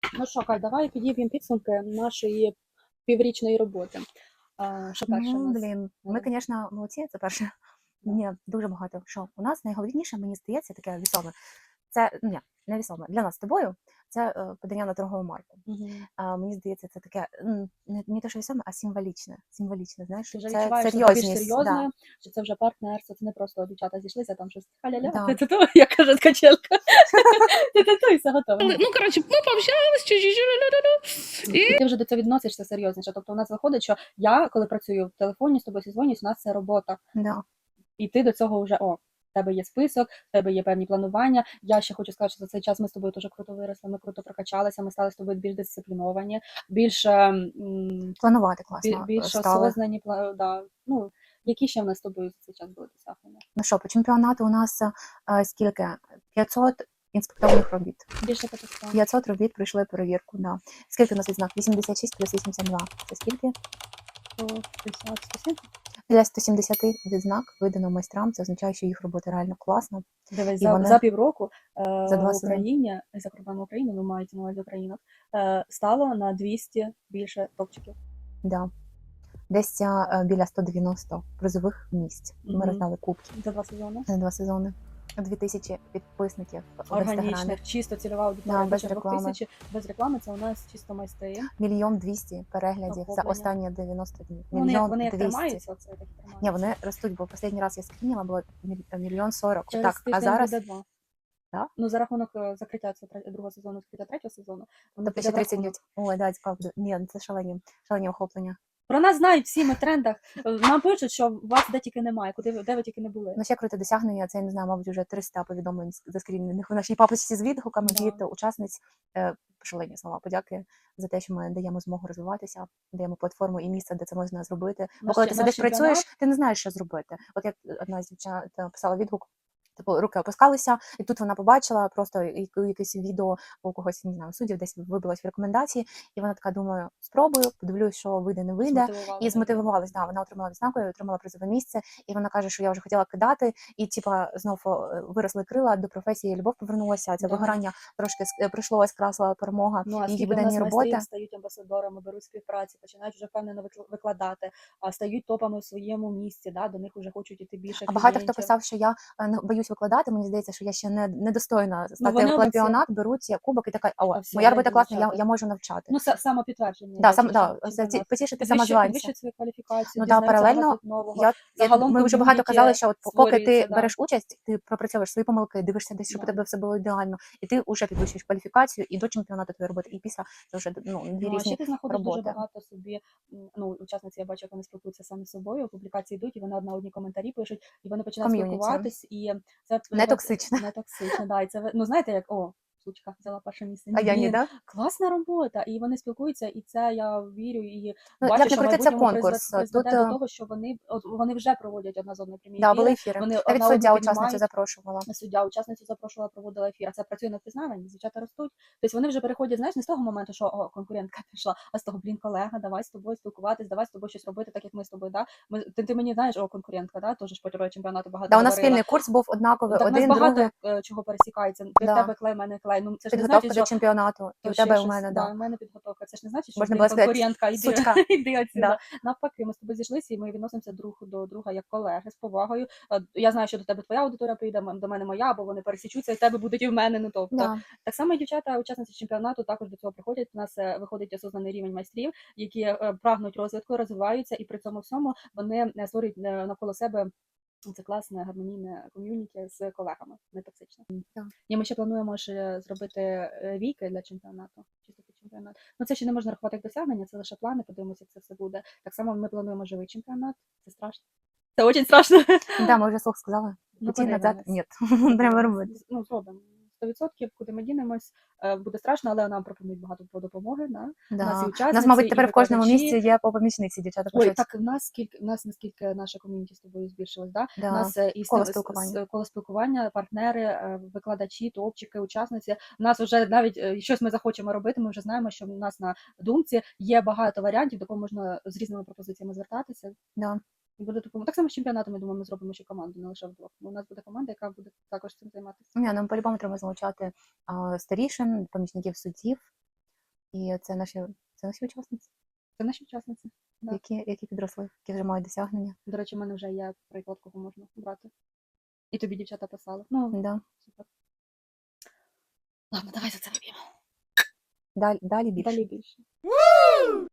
Ну що, Кать, давай підіб'ємо підсумки нашої піврічної роботи. Що перше у Ну, нас? блін, ми, звісно, молодці, це перше. Да. Ні, дуже багато. Що у нас найголовніше, мені здається, таке вісоме. Це ні, не вісоме. Для нас з тобою це подання на торгову марку. Угу. Мені здається, це таке не те, що вісоме, а символічне. Символічне, знаєш, Ти вже це відчуваєш себе більш серйозність. Да, серйозною, що це вже партнерство, це не просто дівчата зійшлися, там щось халя-ля, да. ти-ту-ту, як каже ткачелка. Ти-ту-ту, і все готово. Ну, коротше, ми пообщались, І ти вже до цього відносишся серйозніше. Тобто у нас виходить, що я, коли працюю в телефоні, з тобою зізвонюсь, у нас це робота. Да. І ти до цього вже, в тебе є список, в тебе є певні планування. Я ще хочу сказати, що за цей час ми з тобою дуже круто виросли, ми круто прокачалися, ми стали з тобою більш дисципліновані, більш Планувати класно більш стали. осознані. Да. Ну, які ще в нас з тобою за цей час були досягнення? Ну що, по чемпіонату у нас скільки? 500 інспектованих робіт. Більше 500. 500 робіт пройшли перевірку. Да. Скільки у нас відзнак? 86 плюс 82. Це скільки? 150, 170? Для 170 відзнак видано майстрам. Це означає, що їх робота реально класна. Дивись, І вони за півроку за 2 в сезони. Україні, за кордоном України, ну мається на увазі Україна, стало на 200 більше топчиків. Да. Десь біля 190 призових місць. Ми Мгм. роздали кубки За 2 сезони. за 2 сезони. 2000 підписників в інстаграмі. Органічних, чисто цільова аудиторія, Да, без більше реклами. 2000, без реклами, це у нас чисто майстри. 1 200 000 переглядів за Охоплення. останні 90 днів. Вони 1 як 200 000. тримаються, це так і тримаються. Ні, вони ростуть, бо останній раз я скрініла, було 1 40 000. Через Так, а тиждень зараз буде 2. Да? Ну, за рахунок закриття другого сезону, закриття третього сезону, воно Тобто піде ще в 30 рахунок. днів. Ой, да, цікаво буде. Ні, це шалені охоплення. Про нас знають всі, ми в трендах. Нам пишуть, що вас де тільки немає, де ви тільки не були. Ну, ще круте досягнення, це, я не знаю, мабуть, вже 300 повідомлень заскрінених в нашій папочці з відгуками Да. від учасниць. Шалені слова подяки за те, що ми даємо змогу розвиватися, даємо платформу і місце, де це можна зробити. Бо коли ти сидиш, працюєш, ти не знаєш, що зробити. От як одна з дівчат писала відгук, типу, руки опускалися, і тут вона побачила просто якесь відео у когось, не знаю, суддів, десь вибилось в рекомендації, і вона така, думаю, спробую, подивлюсь, що вийде, не вийде. І змотивувалась, да, вона отримала відзнаку, отримала призове місце, і вона каже, що я вже хотіла кидати, і типа знов виросли крила, до професії любов повернулася, це вигорання трошки пройшло, скрасила перемога, Ну, а її скільки в нас буденні роботи. майстрів стають амбасадорами, беруть співпраці, починають вже впевнено викладати, стають топами в своєму місці, да, до них вже хочуть іти більше А багато хто клієнтів. писав, що я не боюсь викладати, мені здається, що я ще недостойна Ну, стати вони в обіцяють. чемпіонат, беруть кубок і така, Все, моя робота йдуть класна, дівчата. я можу навчати. Ну, самопідтвердження. Да, йде через чемпіонат. потішити Підвищують самозванця. свою кваліфікацію, Ну да, дізнаються паралельно багато нового. ми Загалом вже багато ком'юніті казали, що от поки створюється, ти береш участь, ти пропрацьовуєш свої помилки, дивишся десь, щоб у тебе все було ідеально, і ти вже підвищуєш кваліфікацію і до чемпіонату твоєї роботи, і після це вже дві Ну, а ще різні ти знаходиш дуже роботи. багато собі, ну, учасниці, я бачу, як вони спілкуються самі з собою, публікації йдуть, і вони одні коментарі пишуть, і вони починають Ком'юніті. спілкуватись, і це Не токсичне. не токсично, да, і це, ну, знаєте, як, сучка взяла перше місце. А я ні, да? Класна робота, і вони спілкуються, і це я вірю, і Ну, бачу, як що не крути, це майбутньому конкурс. призведе Тут до того, що вони вже проводять одна з одною прямі да, були ефіри, ефіри. вони Навіть одна суддя одну учасницю піднімають. запрошувала. Суддя учасницю запрошувала, проводила ефір, а це працює на впізнаванні, дівчата ростуть. Тобто вони вже переходять, знаєш, не з того моменту, що конкурентка пішла, а з того, колега, давай з тобою спілкуватись, давай з тобою щось робити, так як ми з тобою, да? Ти мені знаєш, конкурентка, да? Теж ж по чемпіонату багато Да, у нас говорила. спільний курс був однаковий, Так, у нас один, другий. багато чого пересікається. Ти в тебе клей, в мене клей. Ну, це ж не Підготовка значить, до що чемпіонату, і у тебе, і у мене, да, да. у мене підготовка. Це ж не значить, що Можна ти було сказати, конкурентка, сучка. іди отсюда. Да. Навпаки, ми з тобою зійшлися, і ми відносимося друг до друга як колеги, з повагою. Я знаю, що до тебе твоя аудиторія прийде, до мене моя, бо вони пересічуться, і в тебе будуть і в мене. Ну, тобто, Да. так само і дівчата, учасниці чемпіонату, також до цього приходять. У нас виходить осознаний рівень майстрів, які прагнуть розвитку, розвиваються, і при цьому всьому вони створюють навколо себе це класне гармонійне ком'юніті з колегами, не токсичне. Так. І ми ще плануємо ще зробити віки для чемпіонату. Чисто під чемпіонат. Ну це ще не можна рахувати як досягнення, це лише плани, подивимося, як це все буде. Так само ми плануємо живий чемпіонат. Це страшно. Це дуже страшно. Да, ми вже слух сказали. Ну, Піти назад, подивимось. ні. Треба робити. Ну, зробимо. 100%, куди ми дінемось, буде страшно, але нам пропонують багато допомоги. Да? Да. У нас і У учасниці, нас, мабуть, і тепер в кожному викладачі. місці є по помічниці, дівчата Ой, пишуть. так, в нас наскільки наша ком'юніті з тобою збільшилась, да? Да. У нас і коло спілкування, партнери, викладачі, топчики, учасниці. У нас вже навіть щось ми захочемо робити, ми вже знаємо, що в нас на думці є багато варіантів, до кого можна з різними пропозиціями звертатися. Да. І буде допомога. Так само з чемпіонатом, я думаю, ми зробимо ще команду, не лише вдвох. У нас буде команда, яка буде також цим займатися. Ні, нам по-любому треба залучати старішин, помічників суддів. І це наші учасниці, Це наші учасниці. Да. які підросли, які вже мають досягнення. До речі, в мене вже є приклад, кого можна брати. І тобі дівчата писали. Ну, Да. супер. Ладно, давай за це вип'ємо. Далі більше. Далі більше.